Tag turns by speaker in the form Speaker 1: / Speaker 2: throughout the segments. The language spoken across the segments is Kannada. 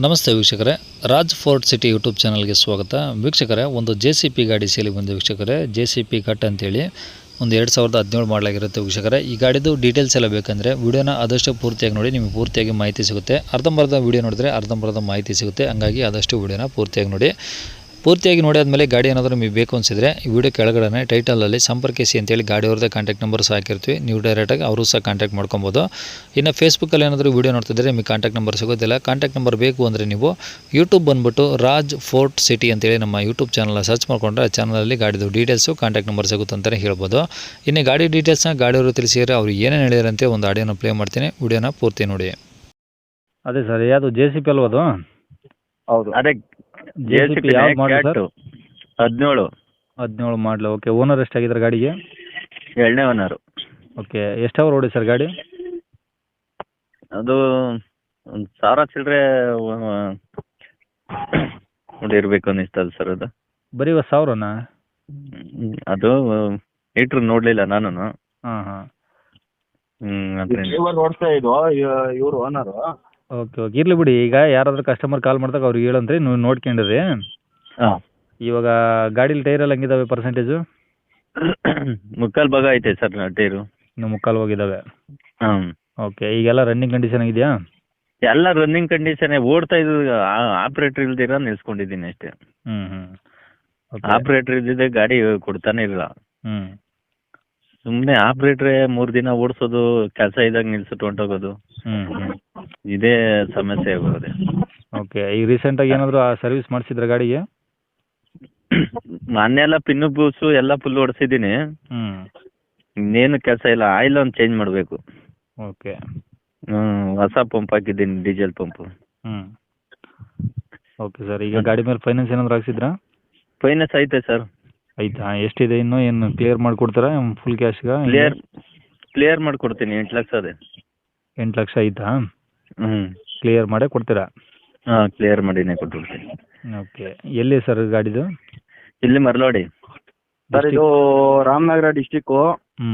Speaker 1: ನಮಸ್ತೆ ವೀಕ್ಷಕರೇ, ರಾಜ್ ಫೋರ್ಟ್ ಸಿಟಿ ಯೂಟ್ಯೂಬ್ ಚಾನಲ್ಗೆ ಸ್ವಾಗತ. ವೀಕ್ಷಕರೇ, ಒಂದು JCP ಗಾಡಿ ಸೇಲಿಗೆ ಬಂದ ವೀಕ್ಷಕರೇ, JCP ಕಟ್ ಅಂತೇಳಿ ಒಂದು 2017 ಮಾಡಲಾಗಿರುತ್ತೆ ವೀಕ್ಷಕರೇ. ಈ ಗಾಡಿದು ಡೀಟೇಲ್ಸ್ ಎಲ್ಲ ಬೇಕಂದರೆ ವಿಡಿಯೋನ ಆದಷ್ಟು ಪೂರ್ತಿಯಾಗಿ ನೋಡಿ, ನಿಮಗೆ ಪೂರ್ತಿಯಾಗಿ ಮಾಹಿತಿ ಸಿಗುತ್ತೆ. ಅರ್ಧಂಬರ್ಧ ವಿಡಿಯೋ ನೋಡಿದ್ರೆ ಅರ್ಧಂಬರ್ಧ ಮಾಹಿತಿ ಸಿಗುತ್ತೆ. ಹಂಗಾಗಿ ಆದಷ್ಟು ವಿಡಿಯೋನ ಪೂರ್ತಿಯಾಗಿ ನೋಡಿ. ಪೂರ್ತಿಯಾಗಿ ನೋಡಿ ಆದಮೇಲೆ ಗಾಡಿ ಏನಾದರೂ ನಿಮಗೆ ಬೇಕು ಅನಿಸಿದರೆ ಈ ವಿಡಿಯೋ ಕೆಳಗಡೆ ಟೈಟಲಲ್ಲಿ ಸಂಪರ್ಕಿಸಿ ಅಂತೇಳಿ ಗಾಡಿಯವ್ರದ್ದೇ ಕಾಂಟ್ಯಾಕ್ಟ್ ನಂಬರ್ ಸಹ ಹಾಕಿರ್ತೀವಿ. ನೀವು ಡೈರೆಕ್ಟಾಗಿ ಅವರು ಸಹ ಕಾಂಟ್ಯಾಕ್ಟ್ ಮಾಡ್ಕೊಬೋದು. ಇನ್ನು ಫೇಸ್ಬುಕ್ಕಲ್ಲಿ ಏನಾದರೂ ವಿಡಿಯೋ ನೋಡ್ತಿದ್ರೆ ನಿಮಗೆ ಕಾಂಟ್ಯಾಕ್ಟ್ ನಂಬರ್ ಸಿಗೋದಿಲ್ಲ. ಕಾಂಟ್ಯಾಕ್ಟ್ ನಂಬರ್ ಬೇಕು ಅಂದರೆ ನೀವು ಯೂಟ್ಯೂಬ್ ಬಂದುಬಿಟ್ಟು ರಾಜ್ ಫೋರ್ಟ್ ಸಿಟಿ ಅಂತೇಳಿ ನಮ್ಮ ಯೂಟ್ಯೂಬ್ ಚಾನಲ್ನ ಸರ್ಚ್ ಮಾಡಿಕೊಂಡ್ರೆ ಆ ಚಾನಲಲ್ಲಿ ಗಾಡಿದು ಡೀಟೇಲ್ಸು ಕಾಂಟ್ಯಾಕ್ಟ್ ನಂಬರ್ ಸಿಗುತ್ತೆ ಅಂತಲೇ ಹೇಳ್ಬೋದು. ಇನ್ನು ಗಾಡಿ ಡೀಟೇಲ್ಸ್ನ ಗಾಡಿಯವರು ತಿಳಿಸಿದರೆ ಅವ್ರು ಏನೇನು ಹೇಳಿದಾರಂತೆ ಒಂದು ಆಡಿಯೋನ ಪ್ಲೇ ಮಾಡ್ತೀನಿ, ವಿಡಿಯೋನ ಪೂರ್ತಿ ನೋಡಿ.
Speaker 2: ಅದೇ ಸರ್, ಯಾವುದು JCP ಅಲ್ವಾ ಅದು?
Speaker 3: ಹೌದು, ಅದೇ
Speaker 2: JCP ಯಾವ್ದು ಮಾಡಲು ಸರ್?
Speaker 3: 17
Speaker 2: ಮಾಡಲು. ಓಕೆ, ಓನರ್ ಎಷ್ಟಾಗಿದ್ದಾರೆ ಗಾಡಿಗೆ?
Speaker 3: 2ನೇ ಓನರು.
Speaker 2: ಓಕೆ, ಎಷ್ಟು ಅವರ್ ಓಡಿ ಸರ್ ಗಾಡಿ?
Speaker 3: ಅದು 1,000 ಚಿಲ್ಲರೆ ಇರಬೇಕು ಅನ್ನಿಸ್ತದೆ ಸರ್. ಅದು
Speaker 2: ಬರೀ 1,000ನಾ?
Speaker 3: ಅದು ಮೀಟ್ರ್ ನೋಡಲಿಲ್ಲ ನಾನು.
Speaker 2: ಹಾಂ.
Speaker 3: ಅದರಿಂದ
Speaker 4: ಓಡಿಸ್ತಾ ಇದ್ವು ಇವರು ಓನರು.
Speaker 2: ಓಕೆ, ಇರಲಿ ಬಿಡಿ. ಈಗ ಯಾರಾದರೂ ಕಸ್ಟಮರ್ ಕಾಲ್ ಮಾಡಿದಾಗ ಅವ್ರಿಗೆ ಹೇಳಂತ್ರಿ, ನೀವು ನೋಡ್ಕೊಂಡಿರಿ.
Speaker 3: ಹಾಂ,
Speaker 2: ಇವಾಗ ಗಾಡೀಲಿ ಟೈರ್ ಎಲ್ಲ ಹಂಗಿದಾವೆ ಪರ್ಸೆಂಟೇಜು?
Speaker 3: ಮುಕ್ಕಾಲು ಭಾಗ ಐತೆ ಸರ್ ಟೈರು.
Speaker 2: ಇನ್ನು ಮುಕ್ಕಾಲು ಹೋಗಿದ್ದಾವೆ.
Speaker 3: ಹಾಂ,
Speaker 2: ಓಕೆ, ಈಗೆಲ್ಲ ರನ್ನಿಂಗ್ ಕಂಡೀಷನ್ ಆಗಿದೆಯಾ?
Speaker 3: ಎಲ್ಲ ರನ್ನಿಂಗ್ ಕಂಡೀಷನ್ ಓಡ್ತಾ ಇದ್ದು. ಆಪ್ರೇಟರ್ ಇಲ್ದಿರ ನಿಲ್ಸ್ಕೊಂಡಿದ್ದೀನಿ ಅಷ್ಟೇ.
Speaker 2: ಓಕೆ.
Speaker 3: ಆಪ್ರೇಟರ್ ಇದ್ದಿದ್ದೆ ಗಾಡಿ ಕೊಡ್ತಾನೆ ಇಲ್ಲ.
Speaker 2: ಹ್ಞೂ
Speaker 3: ಸುಮ್ಮನೆ ಆಪ್ರೇಟ್ರೆ 3 ದಿನ ಓಡಿಸೋದು, ಕೆಲಸ ಇದ್ದಾಗ ನಿಲ್ಸಿಟ್ಟು ಹೊಂಟೋಗೋದು,
Speaker 2: ಹ್ಞೂ
Speaker 3: ಇದೇ ಸಮಸ್ಯೆ ಆಗೋದೆ.
Speaker 2: ಓಕೆ, ಈಗ ರೀಸೆಂಟಾಗಿ ಏನಾದರೂ ಸರ್ವಿಸ್ ಮಾಡಿಸಿದ್ರೆ ಗಾಡಿಗೆ?
Speaker 3: ಮೊನ್ನೆಲ್ಲ ಪಿನ್ನು ಬೂಸು ಎಲ್ಲ ಫುಲ್ ಓಡಿಸಿದ್ದೀನಿ. ಇನ್ನೇನು ಕೆಲಸ ಇಲ್ಲ. ಆಯಿಲ್ ಒಂದು ಚೇಂಜ್ ಮಾಡಬೇಕು.
Speaker 2: ಓಕೆ.
Speaker 3: ಹೊಸ ಪಂಪ್ ಹಾಕಿದ್ದೀನಿ, ಡೀಸೆಲ್ ಪಂಪು.
Speaker 2: ಓಕೆ ಸರ್, ಈಗ ಗಾಡಿ ಮೇಲೆ ಫೈನಾನ್ಸ್ ಏನಾದರೂ ಹಾಕ್ಸಿದ್ರಾ?
Speaker 3: ಫೈನಾನ್ಸ್ ಐತೆ ಸರ್.
Speaker 2: ಆಯ್ತಾ? ಎಷ್ಟಿದೆ ಇನ್ನು? ಏನು ಕ್ಲಿಯರ್ ಮಾಡಿಕೊಡ್ತಾರಾ ಫುಲ್ ಕ್ಯಾಶ್ಗೆ?
Speaker 3: ಕ್ಲಿಯರ್ ಮಾಡಿಕೊಡ್ತೀನಿ. 8 ಲಕ್ಷ ಅದೇ.
Speaker 2: 8 ಲಕ್ಷ ಆಯ್ತಾ? ಕ್ಲಿಯರ್ ಮಾಡೇ ಕೊಡ್ತೀರಾ?
Speaker 3: ಹಾಂ, ಕ್ಲಿಯರ್ ಮಾಡಿನೇ ಕೊಟ್ಬಿಡ್ತೀನಿ.
Speaker 2: ಓಕೆ, ಎಲ್ಲಿ ಸರ್ ಗಾಡಿದು?
Speaker 3: ಇಲ್ಲಿ ಮರಳವಾಡಿ
Speaker 4: ಸರ್, ಇದು ರಾಮನಗರ ಡಿಸ್ಟಿಕ್ಕು,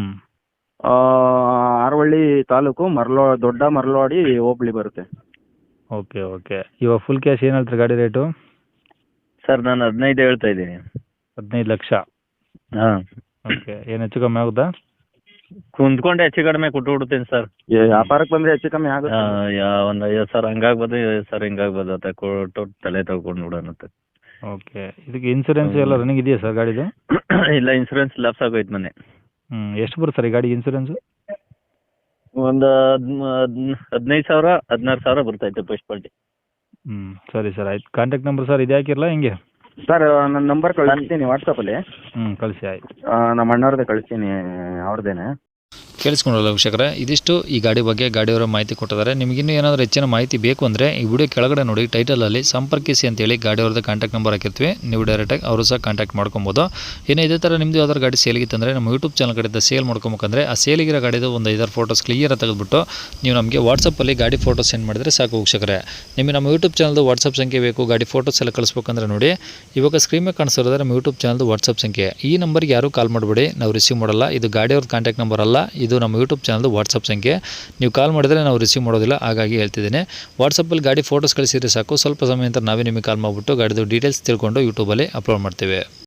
Speaker 4: ಆರವಳ್ಳಿ ತಾಲೂಕು, ದೊಡ್ಡ ಮರಳವಾಡಿ ಹೋಬಳಿ ಬರುತ್ತೆ.
Speaker 2: ಓಕೆ. ಇವಾಗ ಫುಲ್ ಕ್ಯಾಶ್ ಏನು ಹೇಳ್ತಾರೆ ಗಾಡಿ ರೇಟು?
Speaker 3: ಸರ್, ನಾನು 15 ಹೇಳ್ತಾ ಇದ್ದೀನಿ.
Speaker 2: 15 ಲಕ್ಷ?
Speaker 3: ಹಾಂ.
Speaker 2: ಓಕೆ, ಏನು ಹೆಚ್ಚು ಕಮ್ಮಿ ಆಗುತ್ತಾ?
Speaker 3: ಕುಂತ್ಕೊಂಡೆ ಹೆಚ್ಚು ಕಡಿಮೆ ಕೊಟ್ಟು ಬಿಡ್ತೀನಿ ಸರ್.
Speaker 4: ವ್ಯಾಪಾರಕ್ಕೆ ಬಂದರೆ ಹೆಚ್ಚು ಕಮ್ಮಿ ಆಗುತ್ತೆ.
Speaker 3: ಒಂದು 50,000 ಹಂಗಾಗ್ಬೋದು, 50,000 ಹಿಂಗಾಗ್ಬೋದು. ಅಂತ ಕೊಟ್ಟು ತಲೆ ತಗೊಂಡು ಬಿಡೋಣಂತೆ.
Speaker 2: ಓಕೆ, ಇದಕ್ಕೆ ಇನ್ಸೂರೆನ್ಸ್ ಎಲ್ಲ ರನ್ನಿಂಗ್ ಇದೆಯಾ ಸರ್ ಗಾಡಿದು?
Speaker 3: ಇಲ್ಲ, ಇನ್ಸೂರೆನ್ಸ್ ಲಾಪ್ಸ್ ಆಗೋಯ್ತು ಮೊನ್ನೆ.
Speaker 2: ಎಷ್ಟು ಬರುತ್ತೆ ಸರ್ ಈ ಗಾಡಿಗೆ ಇನ್ಸೂರೆನ್ಸು?
Speaker 3: ಒಂದು 15,000 16,000 ಬರ್ತೈತೆ ಫಸ್ಟ್ ಪಾರ್ಟಿ.
Speaker 2: ಸರಿ ಸರ್, ಆಯ್ತು. ಕಾಂಟ್ಯಾಕ್ಟ್ ನಂಬರ್ ಸರ್ ಇದು ಹಾಕಿರಲ್ಲ ಹಿಂಗೆ?
Speaker 4: ಸರ್, ನನ್ನ ನಂಬರ್ ಕಳಿಸ್ತೀನಿ ವಾಟ್ಸಪ್ಪಲ್ಲಿ.
Speaker 2: ಕಳಿಸಿ, ಆಯ್ತು.
Speaker 4: ನಮ್ಮ ಅಣ್ಣವ್ರದ್ದೇ ಕಳಿಸ್ತೀನಿ, ಅವ್ರದ್ದೇನೆ.
Speaker 1: ಕೇಳಿಸ್ಕೊಂಡಲ್ಲ ವೀಕ್ಷಕರೇ, ಇದಿಷ್ಟು ಈ ಗಾಡಿ ಬಗ್ಗೆ ಗಾಡಿಯವರ ಮಾಹಿತಿ ಕೊಟ್ಟಿದ್ದಾರೆ. ನಿಮಗಿನ್ನೂ ಏನಾದರೂ ಹೆಚ್ಚಿನ ಮಾಹಿತಿ ಬೇಕು ಅಂದರೆ ಈ ವಿಡಿಯೋ ಕೆಳಗಡೆ ನೋಡಿ ಟೈಟಲಲ್ಲಿ ಸಂಪರ್ಕಿಸಿ ಅಂತೇಳಿ ಗಾಡಿಯವ್ರದ್ದು ಕಾಂಟ್ಯಾಕ್ಟ್ ನಂಬರ್ ಹಾಕಿರ್ತೀವಿ. ನೀವು ಡೈರೆಕ್ಟಾಗಿ ಅವರು ಸಹ ಕಾಂಟ್ಯಾಕ್ಟ್ ಮಾಡ್ಕೊಬೋದು. ಇನ್ನು ಇದೇ ಥರ ನಿಮ್ಮದು ಯಾವ್ದಾದ್ರು ಗಾಡಿ ಸೇಲಿಗಿತ್ತಂದರೆ ನಮ್ಮ ಯೂಟ್ಯೂಬ್ ಚಾನಲ್ ಕಡೆಯಿಂದ ಸೇಲ್ ಮಾಡ್ಕೊಬೇಕಂದ್ರೆ ಆ ಸೇಲಿಗಿರೋ ಗಾಡಿದು ಒಂದು 5 ಫೋಟೋಸ್ ಕ್ಲಿಯರಾಗಿ ತೆಗೆದುಬಿಟ್ಟು ನೀವು ನಮಗೆ ವಾಟ್ಸಪ್ಪಲ್ಲಿ ಗಾಡಿ ಫೋಟೋ ಸೆಂಡ್ ಮಾಡಿದರೆ ಸಾಕು ವೀಕ್ಷಕರೇ. ನಿಮಗೆ ನಮ್ಮ ಯೂಟ್ಯೂಬ್ ಚಾನಲ್ದು ವಾಟ್ಸಪ್ ಸಂಖ್ಯೆ ಬೇಕು, ಗಾಡಿ ಫೋಟೋಸ್ ಎಲ್ಲ ಕಳಿಸ್ಬೇಕಂದ್ರೆ ನೋಡಿ ಇವಾಗ ಸ್ಕ್ರೀನ್ ಮೇಲೆ ಕಾಣಿಸಿರೋದ್ರೆ ನಮ್ಮ ಯೂಟ್ಯೂಬ್ ಚಾನಲ್ದು ವಾಟ್ಸಪ್ ಸಂಖ್ಯೆ. ಈ ನಂಬರ್ಗೆ ಯಾರೂ ಕಾಲ್ ಮಾಡಬೇಡಿ, ನಾವು ರಿಸೀವ್ ಮಾಡಲ್ಲ. ಇದು ಗಾಡಿಯವ್ರದ್ದು ಕಾಂಟ್ಯಾಕ್ಟ್ ನಂಬರ್ ಅಲ್ಲ, ಇದು ನಮ್ಮ ಯೂಟ್ಯೂಬ್ ಚಾನಲ್ದು ವಾಟ್ಸಪ್ ಸಂಖ್ಯೆ. ನೀವು ಕಾಲ್ ಮಾಡಿದರೆ ನಾವು ರಿಸೀವ್ ಮಾಡೋದಿಲ್ಲ, ಹಾಗಾಗಿ ಹೇಳ್ತಿದ್ದೀನಿ. ವಾಟ್ಸಪ್ಪಲ್ಲಿ ಗಾಡಿ ಫೋಟೋಸ್ ಕಳಿಸಿದರೆ ಸಾಕು. ಸ್ವಲ್ಪ ಸಮಯ ನಂತರ ನಾವೇ ನಿಮಗೆ ಕಾಲ್ ಮಾಡಿಬಿಟ್ಟು ಗಾಡಿದು ಡೀಟೇಲ್ಸ್ ತಿಳ್ಕೊಂಡು ಯೂಟ್ಯೂಬಲ್ಲಿ ಅಪ್ಲೋಡ್ ಮಾಡ್ತೇವೆ.